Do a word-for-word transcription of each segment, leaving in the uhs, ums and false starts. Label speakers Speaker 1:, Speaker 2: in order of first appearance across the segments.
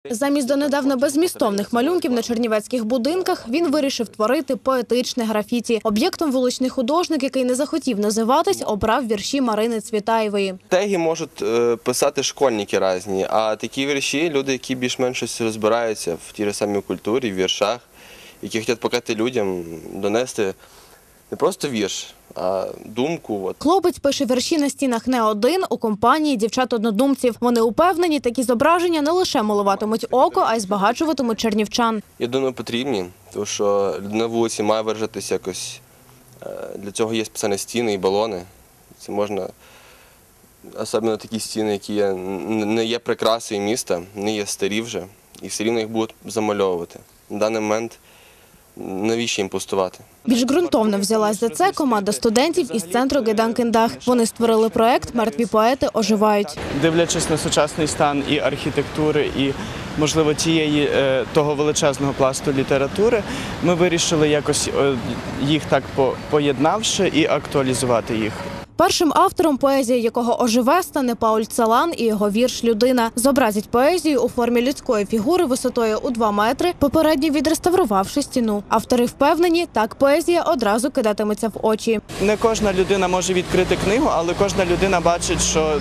Speaker 1: Замість донедавна беззмістовних малюнків на чернівецьких будинках він вирішив творити поетичне графіті. Об'єктом вуличний художник, який не захотів називатись, обрав вірші Марини Цвітаєвої.
Speaker 2: Теги можуть е, писати школьники різні, а такі вірші – люди, які більш-менш щось розбираються в тій ж самій культурі, в віршах, які хочуть показати людям, донести не просто вірш, а думку. От.
Speaker 1: Хлопець пише вірші на стінах не один, у компанії дівчат-однодумців. Вони упевнені, такі зображення не лише милуватимуть око, а й збагачуватимуть чернівчан.
Speaker 2: Я думаю, потрібні, тому що людина на вулиці має виражатися якось. Для цього є спеціальні стіни і балони. Це можна, особливо такі стіни, які є, не є прикрасою міста, не є старі вже, і все рівно їх будуть замальовувати. На даний момент навіщо їм пустувати?
Speaker 1: Більш ґрунтовно взялась за це команда студентів із центру Гайдан-Кендах. Вони створили проект «Мертві поети оживають».
Speaker 3: Дивлячись на сучасний стан і архітектури, і, можливо, тієї, того величезного пласту літератури, ми вирішили якось їх так поєднавши і актуалізувати їх.
Speaker 1: Першим автором, поезія якого оживе, стане Пауль Целан і його вірш «Людина». Зобразять поезію у формі людської фігури висотою у два метри, попередньо відреставрувавши стіну. Автори впевнені, так поезія одразу кидатиметься в очі.
Speaker 3: Не кожна людина може відкрити книгу, але кожна людина бачить, що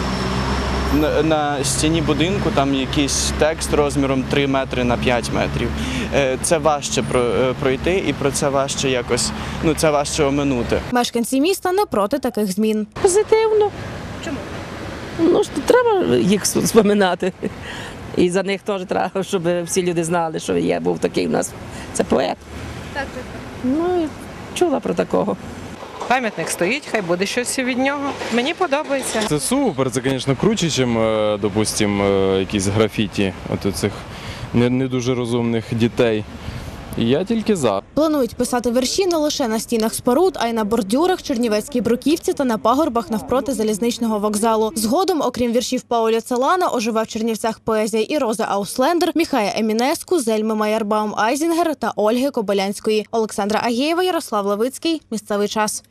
Speaker 3: на стіні будинку там якийсь текст розміром три метри на п'ять метрів. Це важче пройти і про це важче якось, ну це важче оминути.
Speaker 1: Мешканці міста не проти таких змін.
Speaker 4: Позитивно.
Speaker 1: Чому?
Speaker 4: Ну, треба їх споминати. І за них теж треба, щоб всі люди знали, що є, був такий у нас, це поет.
Speaker 1: Так, так.
Speaker 4: Ну, чула про такого.
Speaker 5: Пам'ятник стоїть, хай буде щось від нього. Мені подобається.
Speaker 6: Це супер, це, звісно, круче, ніж, допустимо, якісь графіті от цих не, не дуже розумних дітей. І я тільки за.
Speaker 1: Планують писати вірші не лише на стінах споруд, а й на бордюрах, Чернівецькій бруківці та на пагорбах навпроти залізничного вокзалу. Згодом, окрім віршів Пауля Целана, оживе в Чернівцях поезія і Рози Ауслендер, Міхая Емінеску, Зельми Майербаум-Айзінгер та Ольги Кобилянської. Олександра Агєєва, Ярослав Левицький. Місцевий час.